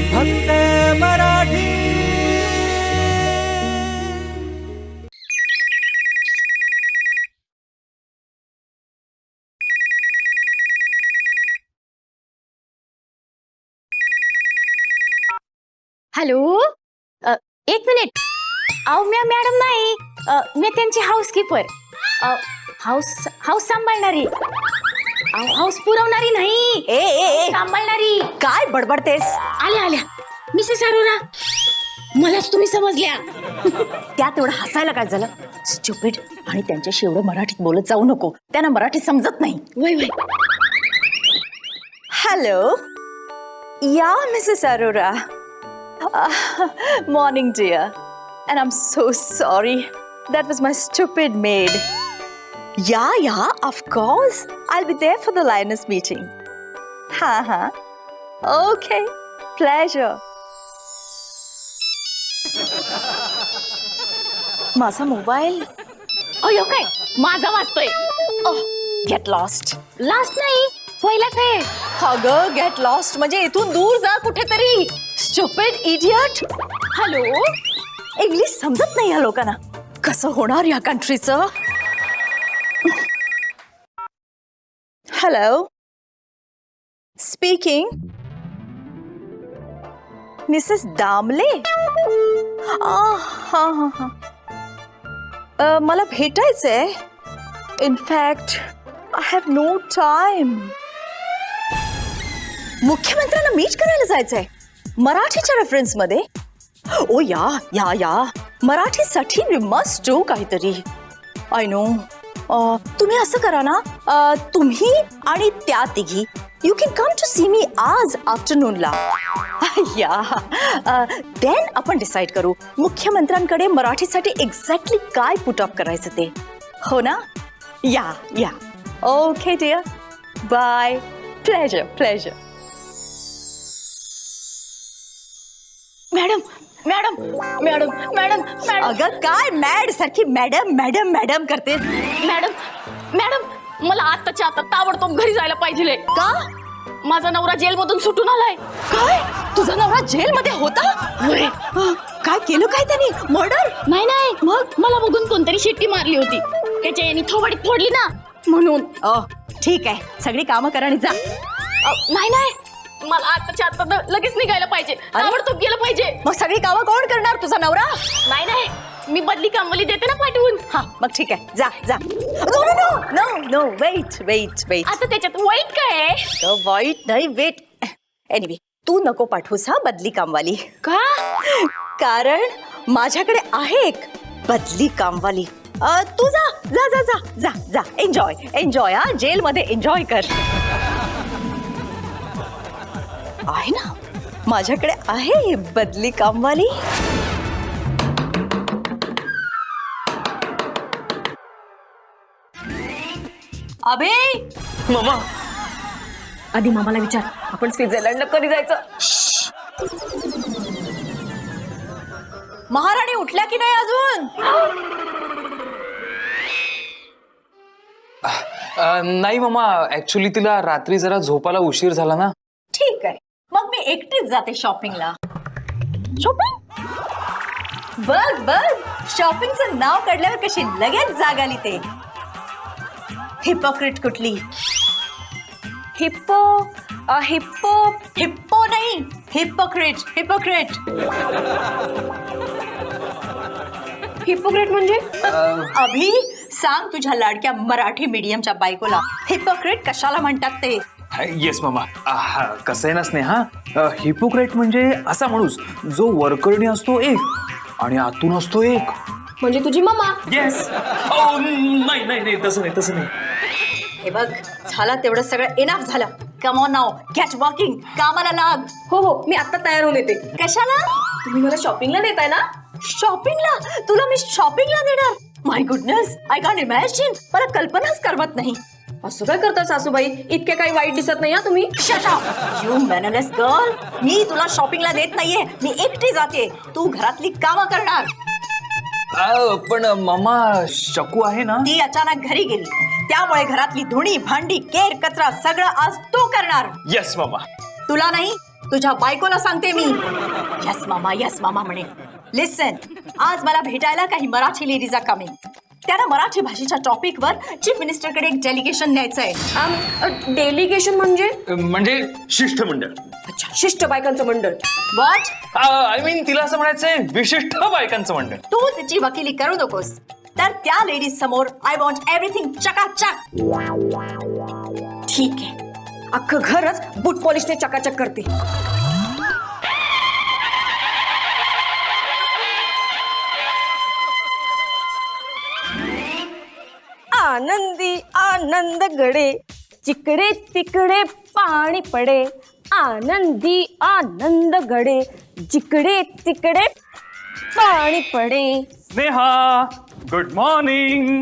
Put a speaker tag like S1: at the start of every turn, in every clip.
S1: फक्त मराठी.
S2: हॅलो, एक मिनिट. अहो मी मॅडम नाही, मी त्यांची हाऊसकीपर. हाऊस सांभाळणारी. हाऊस पुरवणारी नाही,
S3: ए ए ए
S2: सांभाळणारी.
S3: काय बडबडतेस?
S2: आल्या आल्या मिसेस अरोरा, मलाच तुम्ही समजल्या.
S3: त्यात एवढं हसायला काय झालं? स्टुपिड. आणि त्यांच्याशी एवढं मराठीत बोलत जाऊ नको, त्यांना मराठी समजत नाही.
S2: वय वय.
S3: Hello, yeah Mrs Arora. Morning dear, and I am so sorry, that was my stupid maid. Yeah of course, I will be there for the Lions meeting. हा ओके, प्लेजर. माझा मोबाईल
S2: अयो काय माझा वाजतोय.
S3: Get lost.
S2: लास्ट नाही, पहिलाच आहे.
S3: अगं get lost म्हणजे इथून दूर जा कुठेतरी. Stupid idiot.
S2: हॅलो,
S3: इंग्लिश समजत नाही या लोकांना. कसं होणार या कंट्रीचं? Hello, speaking. मिसेस दामले. हा. मला भेटायचंय. In fact I have no time. मुख्यमंत्र्यांना मीट करायला जायचंय मराठीच्या रेफरन्स मध्ये. ओ या मराठीसाठी वी मस्ट डू काहीतरी. I know. तुम्ही असं करा ना, तुम्ही आणि त्या तिघी you can come to see me आज आफ्टरनूनला. या देन आपण डिसाईड करू मुख्यमंत्र्यांकडे मराठीसाठी एक्झॅक्टली काय पुट अप करायचं ते. हो ना? Yeah okay dear, bye. Pleasure.
S2: Madam madam madam madam madam
S3: अगं काय मॅड सारखी मॅडम करतेस?
S2: मॅडम मला आत्ताच्या आता ताबडतोब घरी जायला पाहिजे.
S3: का?
S2: माझा नवरा जेलमधून सुटून आलाय.
S3: काय? तुझा नवरा जेलमध्ये होता? काय केलं काय त्यांनी? मर्डर?
S2: नाही मग मला बघून कोणतरी शिट्टी मारली होती, त्याच्या यांनी थोबाडीत फोडली ना, म्हणून.
S3: ठीक आहे, सगळी कामं करा आणि जा.
S2: नाही मला आत्ताच्या आता लगेच निघायला पाहिजे, ताबडतोब गेलं पाहिजे.
S3: मग सगळी कामं कोण करणार? तुझा नवरा?
S2: नाही मी बदली कामवाली देते ना पाठवून.
S3: हा मग ठीक आहे, जा. No wait.
S2: आता त्याच्यात वाईट काय आहे?
S3: वाईट नाही, वेट. एनिवे, तू नको पाठवूस हा बदली कामवाली.
S2: का?
S3: कारण माझ्याकडे आहे एक बदली कामवाली. तू जा. एन्जॉय हा, जेलमध्ये एन्जॉय कर. आहे ना, माझ्याकडे आहे बदली कामवाली. अबे
S4: मामा,
S3: आधी मामाला विचार, आपण स्वित्झर्लंडला कधी जायचं? महाराणी उठल्या की नाही अजून?
S4: नाही मामा, ऍक्च्युली तिला रात्री जरा झोपायला उशीर झाला ना.
S3: ठीक आहे, मग मी एकटीच जाते शॉपिंगला. शॉपिंग? बघ शॉपिंगचं नाव काढल्यावर कशी लगेच जाग आली ते. हिपोक्रेट कुठली? हिप्पो नाही, हिपोक्रेट.
S2: हिपोक्रेट म्हणजे?
S3: अभि, सांग तुझ्या लाडक्या मराठी मीडियमच्या बायकोला हिपोक्रेट कशाला म्हणतात ते.
S4: येस मामा. कसं आहे ना स्नेहा, हिपोक्रेट म्हणजे असा माणूस जो वरकरणी असतो एक आणि आतून असतो एक.
S2: म्हणजे तुझी मामा?
S4: येस. नाही तसं नाही.
S3: हे बघ, झालं तेवढं सगळं इनफ झालं. Come on now, get working. कामाला लाग.
S2: हो मी आता तयार होऊन येते.
S3: कशाला?
S2: तुम्ही मला शॉपिंगला नेताय ना?
S3: शॉपिंगला? तुला मी शॉपिंगला नेणार? My goodness, I can imagine. मला कल्पनाच करमत नाही.
S2: असं काय करता सासूबाई? इतके काही वाईट दिसत नाही तुम्ही.
S3: Shut up you mannerless girl. मी तुला शॉपिंगला नेत नाहीये, मी एकटी जाते. तू घरातली कामं करणार.
S4: पण मामा, शकू आहे ना?
S3: ती अचानक घरी गेली, त्यामुळे घरातली धुणी भांडी केर कचरा सगळं आज तू करणार.
S4: येस मामा.
S3: तुला नाही, तुझ्या बायकोला सांगते मी. यस मामा म्हणे. लिसन, आज मला भेटायला काही मराठी लेडीज आर कमिंग. त्यांना मराठी भाषेच्या टॉपिकवर चीफ मिनिस्टरकडे एक डेलिगेशन न्यायचंय.
S5: डेलिगेशन म्हणजे
S4: शिष्टमंडळ.
S5: अच्छा, शिष्ट बायकांचं मंडळ.
S3: व्हॉट?
S4: आय मीन तिला असं म्हणायचंय विशिष्ट बायकांचं मंडळ.
S3: तू तिची वकिली करू नकोस. तर त्या लेडीज समोर आय वॉन्ट एव्हरीथिंग चकाचक.
S5: ठीक आहे, अख्खं घरच बूट पॉलिशने चकाचक करते. आनंदी आनंद गडे, जिकडे तिकडे पाणी पडे. आनंदी आनंद गडे, जिकडे तिकडे पाणी पडे.
S4: Sneha, good morning.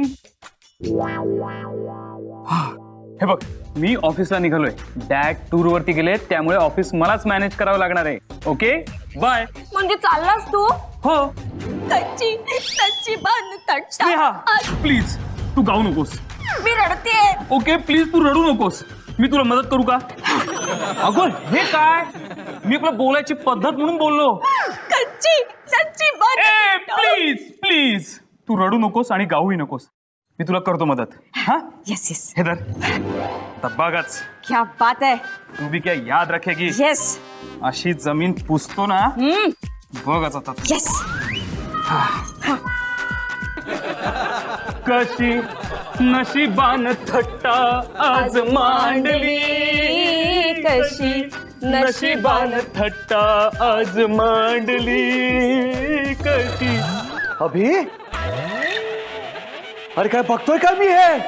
S4: हे बघ, मी ऑफिसला निघालोय. डॅड टूर वरती गेले, त्यामुळे ऑफिस मलाच मॅनेज करावं लागणार आहे. Okay, bye.
S5: म्हणजे चाललास तू?
S4: हो.
S5: तच्ची बांध तट्टा.
S4: स्नेहा, प्लीज तू गाऊ नकोस.
S5: मी रडते.
S4: ओके, प्लीज तू रडू नकोस. मी तुला मदत करू का? अगं हे काय, मी आपला बोलायची पद्धत म्हणून बोललो.
S5: सच्ची बांध.
S4: प्लीज प्लीज तू रडू नकोस आणि गाऊही नकोस. मी तुला करतो मदत. हा,
S5: यस यस.
S4: हे धर. आता बघच,
S5: क्या बात है.
S4: तू भी क्या याद रखेगी.
S5: यस
S4: अशी जमीन पुसतो ना, बघच आता.
S5: यस.
S4: कशी नशिबान थट्टा आज मांडली,
S5: कशी
S4: नशिबान थट्टा आज मांडली. कशी.
S1: अभि, अरे काय बघतोय का मी हे?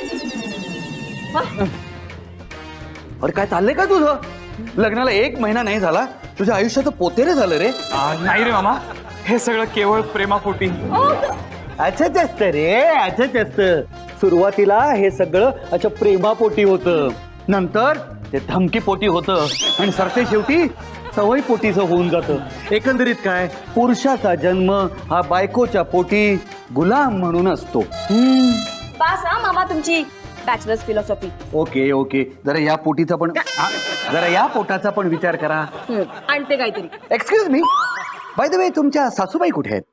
S1: अरे काय चाललंय का तुझं? लग्नाला 1 महिना नाही झाला, तुझ्या आयुष्यात पोतेरे झालं रे.
S4: नाही रे मामा, हे सगळं केवळ प्रेमापोटी.
S1: अच्छाच असतं रे, अच्छाच असतं. सुरुवातीला हे सगळं अच्छा प्रेमापोटी होतं, नंतर ते धमकीपोटी होतं आणि सरते शेवटी सवय पोटीचं होऊन जातं. एकंदरीत काय, पुरुषाचा जन्म हा बायकोच्या पोटी गुलाम म्हणून असतो.
S5: पास हा मामा तुमची बॅचलर्स फिलॉसॉफी.
S1: ओके ओके, जरा या पोटीचा पण जरा या पोटाचा पण विचार करा.
S5: आणते काहीतरी.
S1: Excuse me, by the way तुमच्या सासूबाई कुठे आहेत?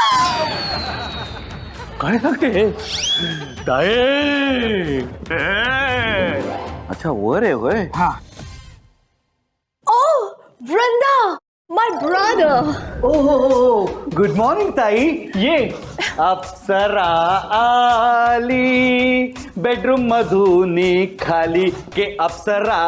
S1: काय सांगते? अच्छा, वर आहे होय.
S4: हा.
S3: ओ वृंदा, माय ब्रदर.
S1: ओ हो, गुड मॉर्निंग ताई.
S4: ये.
S1: अप्सरा आली बेडरूम मधून खाली के Apsara.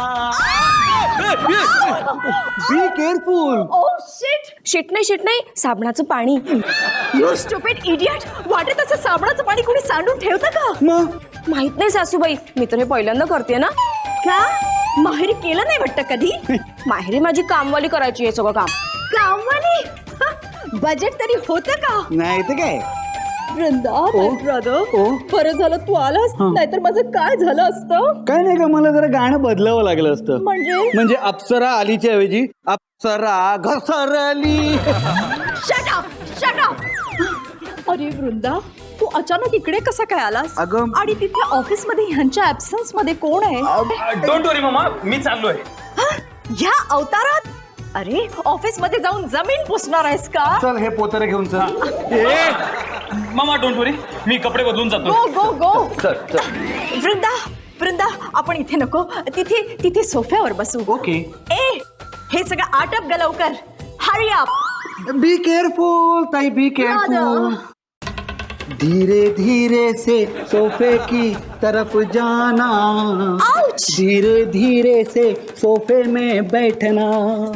S1: Be careful.
S3: Oh shit.
S5: Shit नाही साबणाचं पाणी.
S3: You stupid idiot. वाटेत असं साबणाचं पाणी कोणी सांडून ठेवतं का?
S1: मग
S5: माहित नाही सासूबाई, मी तर हे पहिल्यांदा करते ना.
S3: का माहेरी केलं नाही वाटतं कधी?
S5: माहेरी माझी कामवाली करायची हे सगळं काम.
S3: कामवाली? बजेट तरी होतं का?
S1: नाही तर काय.
S3: Vrinda, brother,
S1: oh.
S3: बरं झालं तू आलास, नाहीतर माझं काय झालं असतं?
S1: काय नाही का, मला जरा गाणं बदलावं लागलं असतं. म्हणजे अप्सरा आलीच्या ऐवजी अप्सरा घसरली.
S3: Shut up. अरे वृंदा, तू अचानक इकडे कसा काय आलास?
S1: अगं,
S3: आणि तिथे ऑफिस मध्ये ह्यांच्या ऍब्सन्स मध्ये कोण आहे?
S4: डोंट वरी मामा, मी चाललोय.
S3: ह्या अवतारात? अरे ऑफिस मध्ये जाऊन जमीन पुसणार आहेस का?
S1: चल हे पोतरे घेऊन चल.
S4: मामा डोंट वरी, मी कपडे बदलून जातो.
S3: गो.
S1: चल.
S3: वृंदा, आपण इथे नको, तिथे सोफ्यावर बसू.
S1: ओके.
S3: हे सगळं आटप ग लवकर. Hurry up.
S1: बी केअरफुल ताई, बी केअरफुल. धीरे धीरे से सोफे की तरफ जाना.
S3: आउच.
S1: धीरे धीरे से सोफे में बैठना.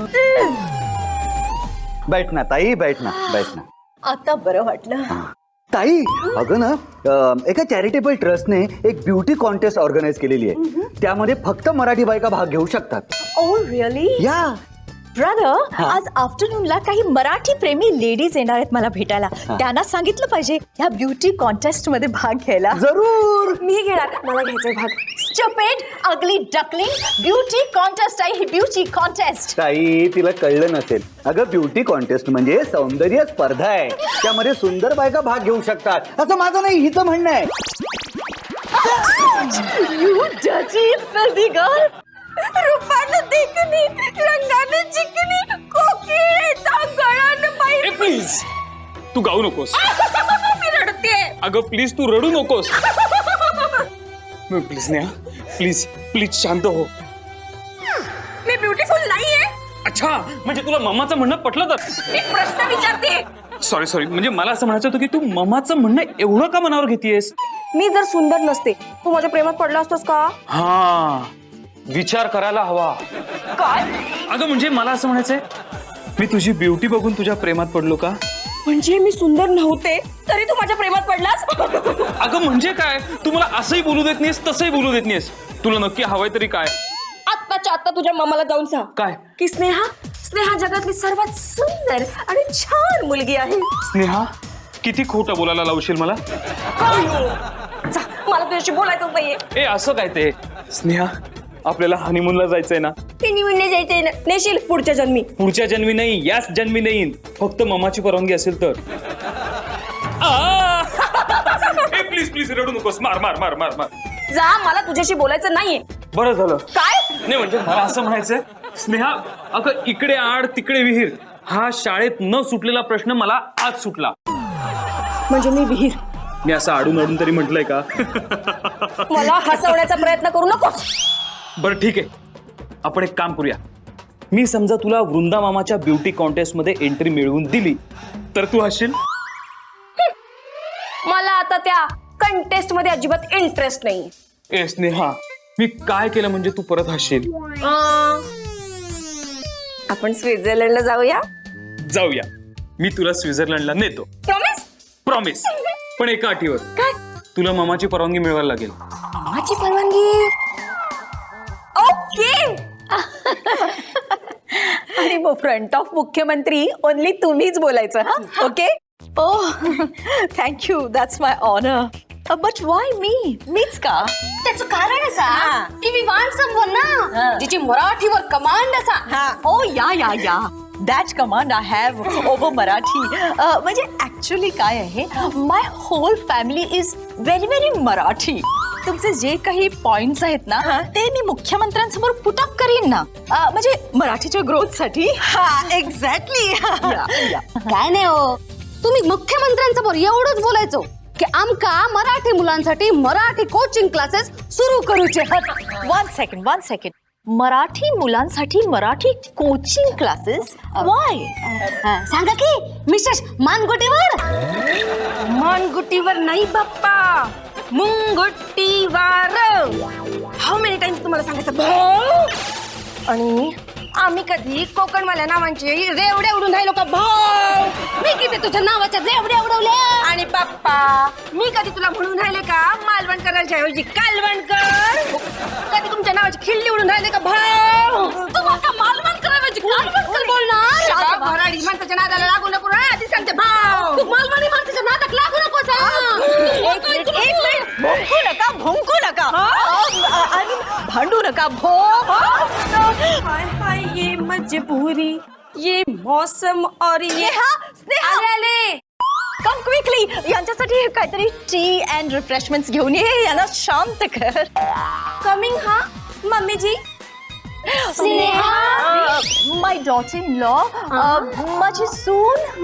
S1: बैठना ताई, बैठना.
S3: आता बरं वाटलं.
S1: ताई, अगं ना, एका चॅरिटेबल ट्रस्टने एक ब्युटी कॉन्टेस्ट ऑर्गनाईज केलेली आहे. त्यामध्ये फक्त मराठी बायका भाग घेऊ शकतात.
S3: Oh really?
S1: या
S3: ब्रदर, आज आफ्टरनूनला काही मराठी प्रेमी लेडीज येणार आहेत मला भेटायला. त्यांना सांगितलं पाहिजे या ब्युटी कॉन्टेस्ट मध्ये भाग घ्यायला.
S1: जरूर.
S5: मी घेणार, मला घ्यायचा भाग.
S3: Stupid ugly duckling. Beauty contest आहे ही, ब्युटी कॉन्टेस्ट.
S1: ताई, तिला कळलं नसेल. अगं, ब्युटी कॉन्टेस्ट म्हणजे सौंदर्य स्पर्धा आहे. त्यामध्ये सुंदर बायका भाग घेऊ शकतात असं माझं नाही, हिचं म्हणणं आहे.
S3: You dirty filthy girl. Rupali
S5: रंगानं देखणी, रंगानं चिकणी, कोकिळेचा गळानं बाई.
S4: प्लीज तू गाऊ नकोस.
S5: मी रडते.
S4: अगं प्लीज तू रडू नकोस. प्लीज नेहा, प्लीज प्लीज शांत हो.
S5: मी ब्युटिफुल नाहीये.
S4: अच्छा, म्हणजे तुला मम्माचं म्हणणं पटलं तर?
S5: मी प्रश्न विचारते.
S4: सॉरी म्हणजे मला असं म्हणायचं होतं की तू मम्माचं म्हणणं एवढं का मनावर घेतेयस?
S5: मी जर सुंदर नसते तू माझ्या प्रेमात पडला असतोस का?
S4: हा, विचार करायला हवा.
S5: काय
S4: अगं म्हणजे मला असं म्हणायचंय, मी तुझी ब्युटी बघून तुझ्या प्रेमात पडलो का?
S5: म्हणजे मी सुंदर नव्हते तरी तू माझ्या प्रेमात पडलास?
S4: अगं म्हणजे काय, तू मला असंही बोलू देत नाहीस तसंही बोलू देत नाहीस. तुला नक्की हवंय तरी काय?
S5: आत्ताच्या आत्ता तुझ्या मामाला जाऊन सांग
S4: काय?
S5: की स्नेहा स्नेहा जगातली सर्वात सुंदर आणि छान मुलगी आहे.
S4: स्नेहा, किती खोटं बोलायला लावशील मला?
S5: जा, मला तुझ्याशी बोलायचंच नाहीये.
S4: ए असं काय ते? स्नेहा, आपल्याला हनीमूनला जायचंय ना?
S5: ते निवडणे जायचंय ना, नेशील पुढच्या जन्मी.
S4: पुढच्या जन्मी नाही, याच जन्मी नाही, फक्त ममाची परवानगी असेल तर. प्लीज प्लीज रडू नकोस. मार मार मार मार मार.
S5: जा, मला तुझ्याशी बोलायचं नाहीये.
S4: बरं झालं.
S5: काय?
S4: नाही म्हणजे मला असं म्हणायचंय, स्नेहा अगं इकडे आड तिकडे विहीर, हा शाळेत न सुटलेला प्रश्न मला आज सुटला.
S5: म्हणजे मी विहीर?
S4: मी असं आडून आडून तरी म्हटलंय का?
S5: मला हसवण्याचा प्रयत्न करू नकोस.
S4: बरं ठीक आहे, आपण एक काम करूया. मी समजा तुला वृंदा मामाच्या ब्युटी कॉन्टेस्ट मध्ये एंट्री मिळवून दिली तर तू हसशील?
S5: मला आता त्या कंटेस्ट मध्ये अजिबात इंटरेस्ट नाही.
S4: ए स्नेहा, मी काय केलं म्हणजे तू परत हसशील?
S5: आपण स्वित्झर्लंडला जाऊया.
S4: जाऊया, मी तुला स्वित्झर्लंडला नेतो.
S5: प्रॉमिस?
S4: प्रॉमिस. पण एका अटीवर.
S5: काय?
S4: तुला मामाची परवानगी मिळवायला लागेल.
S5: माझी परवानगी? ओके.
S3: आणि मग फ्रंट ऑफ मुख्यमंत्री ओनली तुम्हीच बोलायचं. हा, okay. Oh, thank you, that's my honour. But why मीच का?
S2: त्याचं कारण असा की वी वांट समवन ना जिची मराठीवर कमांड असा.
S3: Oh yeah that command I have over Marathi. म्हणजे ऍक्च्युली काय आहे, my whole family is very very Marathi. तुमचे जे काही पॉइंट्स आहेत ना ते मी मुख्यमंत्र्यांसमोर पुट अप करीन ना, म्हणजे मराठीच्या ग्रोथसाठी. हा, एक्झॅक्टली.
S2: काय नाही हो, तुम्ही मुख्यमंत्र्यांसमोर एवढंच बोलायचो की आमका मराठी मुलांसाठी मराठी कोचिंग क्लासेस सुरू करूचे.
S3: One second. मराठी मुलांसाठी मराठी कोचिंग क्लासेस? वाय?
S2: सांगा की मिसेस मानगुटीवर.
S5: मानगुटीवर नाही बाप्पा, मुंगुटीवर. हाऊ मेनी टाइम्स तुम्हाला सांगायचं भाऊ? आणि आम्ही कधी कोकणवाल्या नावांचे रेवडे उडून राहिलो का भाऊ?
S2: मी किती तुझ्या नावाच्या रेवड्या उडवल्या.
S5: आणि बाप्पा, मी कधी तुला म्हणून राहिले का मालवणकरांच्या ऐवजी कालवणकर? कधी तुमच्या नावाची खिल्ली उडून राहिले का भाऊ?
S2: तू आता मालवण करायची कालवण बोलणार.
S5: भराडी माणसाच्या नादाला लागू नको ना, आधी सांगते भाऊ.
S2: तू मालवणी माणसाच्या नादात लागू नकोस.
S3: एक मिनिट, भुंकू नका. आणि भांडू नका.
S5: हाय हाय, ये मजबूरी, ये मौसम और ये
S3: स्नेहा,
S5: आले.
S3: Come quickly. यांच्यासाठी काहीतरी टी अँड रिफ्रेशमेंट्स घेऊन ये. यांना शांत कर.
S5: कमिंग. हा mummy ji.
S3: Sneha, my daughter in law, माझी सून.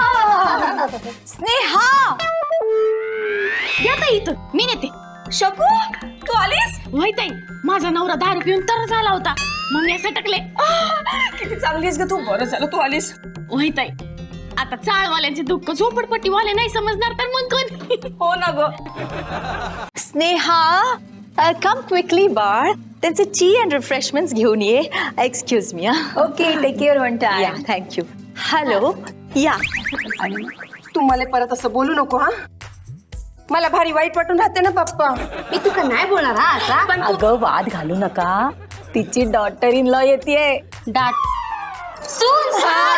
S3: स्नेहा,
S2: या ताई इथं मी नेते.
S5: शकू, तू आलीस?
S2: माहित आहे, माझा नवरा दारू पिऊन तर झाला होता, मग मी असं टकले.
S5: किती चांगली आहेस ग तू. बरं झालं तू आलीस.
S2: माहित आहे, आता चाळवाल्यांचे दुःख झोपडपट्टीवाले नाही समजणार तर मग कोण?
S5: हो ना ग.
S3: स्नेहा, कम क्विकली बाळ. त्यांचे टी अँड रिफ्रेशमेंट्स घेऊन ये. Excuse me.
S5: Okay, take care one
S3: yeah,
S5: time.
S3: Thank you. Hello. Yeah.
S5: आणि तू मला परत असं बोलू नको. हा, मला भारी वाईट वाटून राहते ना पप्पा.
S2: मी तुका नाही बोलणार हा आता.
S5: पण
S3: अगं, वाद घालू नका. तिची डॉटर इन लॉ येते.
S2: डाट सून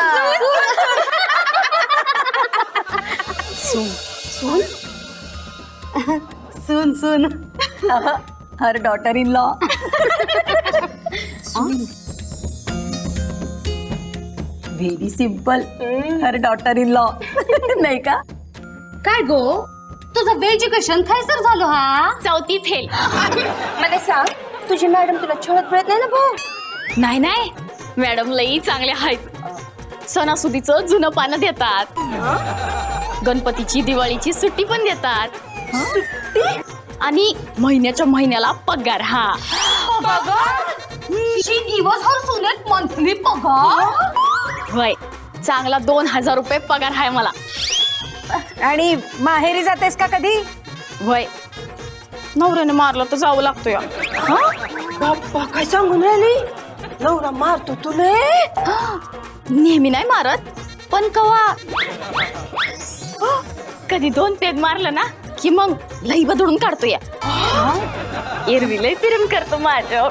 S2: सून सून
S3: her daughter in law. Very simple. Her daughter in law. नाही का?
S2: काय गो, तुझं एज्युकेशन थैसर झालं हा? चौथी फेल.
S5: मला सांग, तुझी मॅडम तुला छळत मिळत नाही ना भाऊ?
S6: नाही नाही मॅडम लई चांगले आहेत. सणासुदीचं जुनं पानं देतात, गणपतीची दिवाळीची सुट्टी पण देतात, आणि महिन्याच्या महिन्याला पगार. हा
S2: दिवसभर सुनेत मंथली पगार.
S6: वय चांगला 2000 रुपये पगार आहे मला.
S3: आणि माहेरी जातेस का कधी?
S6: वय नवऱ्याने मारलं तर जावं लागतो या.
S5: बाप्पा काय सांगून राहिली, नवरा मारतो तुले?
S6: नेहमी नाही मारत, पण कवा कधी 2 पेग मारलं ना की मग लई बदलून काढतो या. एरवी लई प्रेम करतो माझ्या.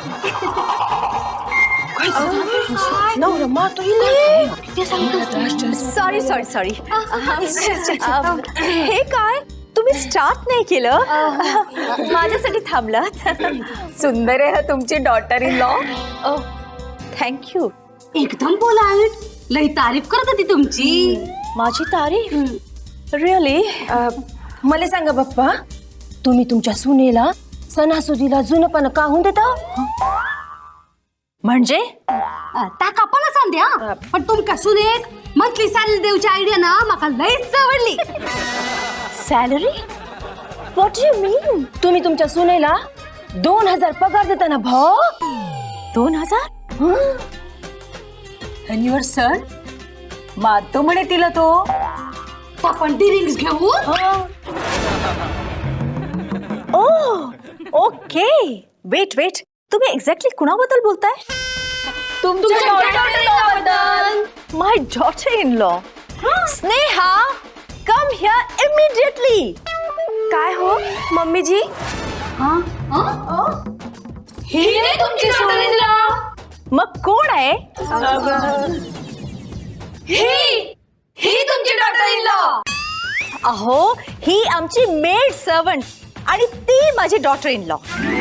S5: नवरा मारतो
S3: सॉरी सॉरी सॉरी. हे काय तुम्ही स्टार्ट नाही केलं? माझ्यासाठी थांबलात. सुंदर आहे तुमची डॉटर इन लॉ. थँक्यू.
S2: एकदम पोलाइट, लई तारीफ करत होती तुमची.
S3: माझी तारीफ? रिअली?
S5: मला सांगा बाप्पा, तुम्ही तुमच्या सुनेला सणासुदीला जुनपण काहून देता?
S3: म्हणजे
S2: ताका पण सांद्या, पण तुमका सुनेक मंथली सॅलरी देऊची आयडिया ना माका लईच आवडली.
S3: सॅलरी? What you mean?
S5: तुम्ही तुमच्या सुनेला 2000 पगार देता ना भाऊ?
S3: 2000? And your son? मारतो म्हणे तिला तो.
S2: आपण डिरिंग्स घेऊ.
S3: ओके. वेट वेट, तुम्ही एक्झॅक्टली कुणाबद्दल बोलताय?
S5: तुमच्या
S3: my daughter in law. Sneha, come here immediately.
S5: काय हो मम्मीजी?
S2: ही तुमची सुनेला.
S3: मग कोण आहे?
S2: ही तुमची डॉटर इन लॉ.
S3: अहो, ही आमची मेड सर्वंट आणि ती माझी डॉटर इन लॉ.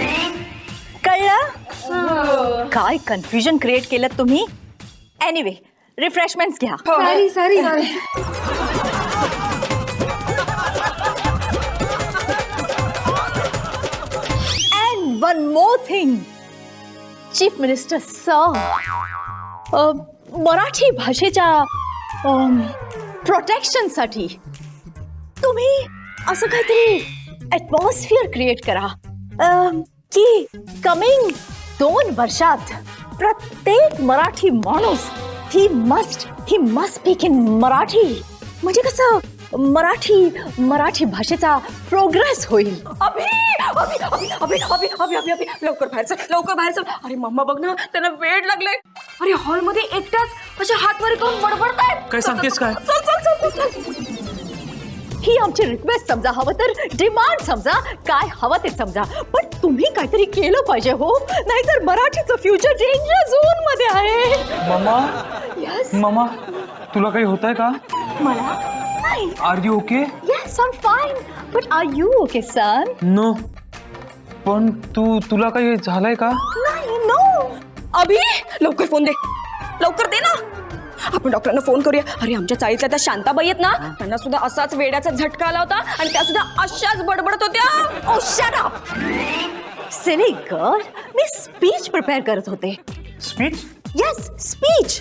S3: कळलं? काय कन्फ्युजन क्रिएट केलं तुम्ही. एनिवे, रिफ्रेशमेंट्स घ्या.
S2: Sorry.
S3: And one more thing, chief minister sir, Marathi भाषेच्या प्रोटेक्शनसाठी तुम्ही असं काहीतरी ॲटमॉस्फिअर क्रिएट करा की कमिंग 2 वर्षात प्रत्येक मराठी माणूस he must speak in Marathi. म्हणजे कसं मराठी भाषेचा प्रोग्रेस होईल.
S5: अभि अभि अभि अभि अभि अभि अभि अभि लवकर बाहेर चल, लवकर बाहेर चल. अरे मम्मा बघ ना, त्यांना वेळ लागलाय. अरे हॉलमध्ये एकटाच असे हात वर करून बडबडतायत.
S4: काय सांगतेस काय?
S5: चल चल चल चल.
S3: ही आमची रिक्वेस्ट समजा, हवं तर डिमांड समजा, काय हवं ते समजा, पण तुम्ही काहीतरी केलं पाहिजे हो, नाहीतर मराठीचं फ्युचर डेंजर झोन मध्ये आहे.
S4: मामा,
S3: यस.
S4: मामा तुला काही होतंय का?
S3: मला नाही.
S4: Are you okay?
S3: Yes, I am fine. But are you okay son?
S4: No. पण तुला काही झालंय का?
S3: नाही. नो.
S5: अभि लवकर फोन दे, लवकर दे ना. आपण डॉक्टरांना फोन करूया. अरे आमच्या चाळीतल्या त्या शांताबाई आहेत ना, त्यांना सुद्धा असाच वेड्याचा झटका आला होता आणि त्या सुद्धा अशाच बडबडत होत्या.
S3: Oh shut up silly girl. मी स्पीच प्रिपेअर करत होते.
S4: स्पीच?
S3: Yes, speech.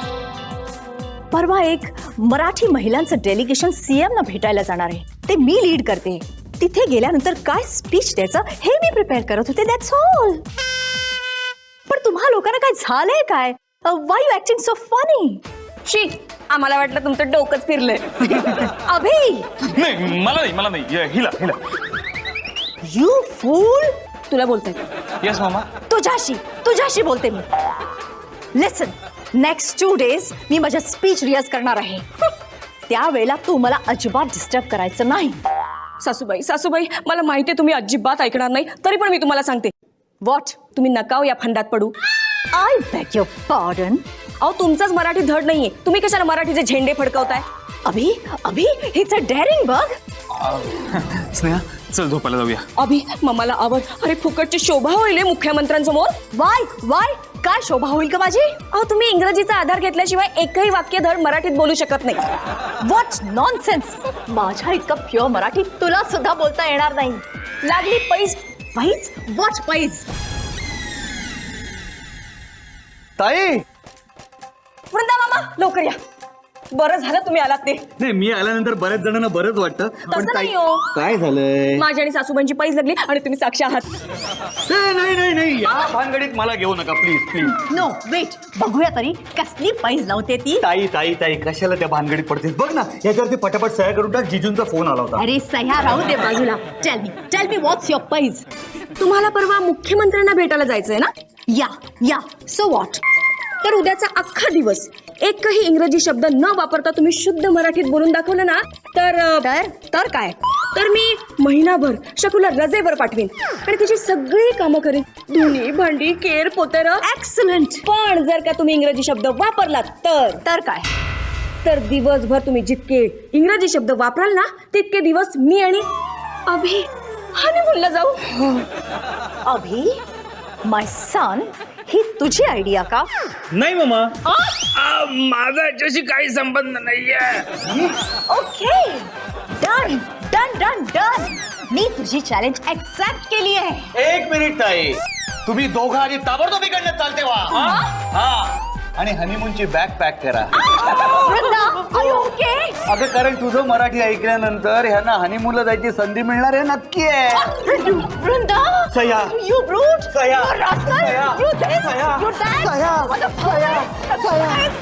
S3: परवा एक मराठी महिलांचं डेलिगेशन सीएम ना भेटायला जाणार आहे. ते मी लीड करते. तिथे गेल्यानंतर काय स्पीच द्यायचं हे मी प्रिपेअर करत होते. That's all. पण तुम्हा लोकांना काय झालंय काय? Why you acting so funny?
S5: शी, आम्हाला वाटलं तुमचं डोकंच फिरलंय.
S3: अभि,
S4: नाही मला नाही हिला.
S3: You fool.
S5: तुला बोलताय.
S4: येस मामा.
S3: तुझ्याशी बोलते मी. लिसन, नेक्स्ट 2 days मी माझ्या स्पीच रियाज करणार आहे. त्यावेळेला तू मला अजिबात डिस्टर्ब करायचं नाही.
S5: सासूबाई मला माहितीये तुम्ही अजिबात ऐकणार नाही, तरी पण मी तुम्हाला सांगते.
S3: व्हॉट?
S5: तुम्ही नका या फंदात पडू.
S3: I beg your pardon.
S5: अहो तुमचाच मराठी धड नाहीये, तुम्ही कशाला मराठीचे झेंडे फडकवताय?
S3: अभि हिच अ डेअरिंग बग.
S4: स्नेहा चल झोपायला जाऊया.
S5: अभि मम्माला आवड. अरे फुकटची शोभा होईल मुख्यमंत्र्यांसमोर.
S3: वाय काय शोभा होईल का माझी?
S5: अहो तुम्ही इंग्रजीचा आधार घेतल्याशिवाय एकही वाक्य धड मराठीत बोलू शकत नाही.
S3: What nonsense. माझ्या इतकं प्युअर मराठी तुला सुद्धा बोलता येणार नाही.
S5: लागली पैस.
S3: व्हॉट पैज?
S1: ताई
S5: वृंदा मामा लवकर या. बरं झालं तुम्ही आलात ते.
S1: नाही मी आल्यानंतर बऱ्याच जणांना बरंच वाटतं
S5: तसं नाही हो.
S1: काय झालंय
S5: माझी आणि सासूबाईंची पैज लागली आणि तुम्ही साक्षी आहात.
S1: नाही नाही नाही या भानगडीत मला घेऊ नका प्लीज प्लीज.
S3: नो वेट, बघूया तरी कसली पैज लावते ती.
S1: ताई ताई ताई कशाला त्या भानगडीत पडतेस बघ ना याच्यावरती पटापट सह्या करून टाक. जिजूंचा फोन आला होता.
S3: अरे सह्या राहू दे बाजूला. टेल मी व्हॉट्स युअर पैज.
S5: तुम्हाला परवा मुख्यमंत्र्यांना भेटायला जायचंय ना.
S3: या सो व्हॉट.
S5: तर उद्याचा अख्खा दिवस एकही इंग्रजी शब्द न वापरता तुम्ही शुद्ध मराठीत बोलून दाखवलं ना
S3: तर काय.
S5: तर मी महिनाभर शकूला रजेवर पाठवीन आणि तिची सगळी कामं करेन. धुणी भांडी केर पोतर.
S3: एक्सलंट.
S5: पण जर का तुम्ही इंग्रजी शब्द वापरलात
S3: तर काय.
S5: तर दिवसभर तुम्ही जितके इंग्रजी शब्द वापराल ना तितके दिवस मी आणि अभि हनीमूनला जाऊ.
S3: अभि माय सन, ही तुझी आयडिया का.
S4: नाही मामा माझा याच्याशी काही संबंध नाहीये.
S3: Okay done done done done. मी तुझी चॅलेंज एक्सेप्ट केली आहे.
S1: एक मिनिट ताई तुम्ही दोघं आधी ताबडतोब इकडनं चालते वा. हा आणि हनीमूनची बॅग पॅक करा.
S3: Vrinda, are you okay?
S1: अगं कारण तुझं मराठी ऐकल्यानंतर ह्यांना हनीमूनला जायची संधी मिळणार आहे नक्की आहे.
S3: वृंदा,
S1: सह्या.
S3: you brute.
S1: सह्या.
S3: You rascal.
S1: सह्या.
S3: You this.
S1: सह्या.
S3: You that.
S1: सह्या.
S3: What the fuck?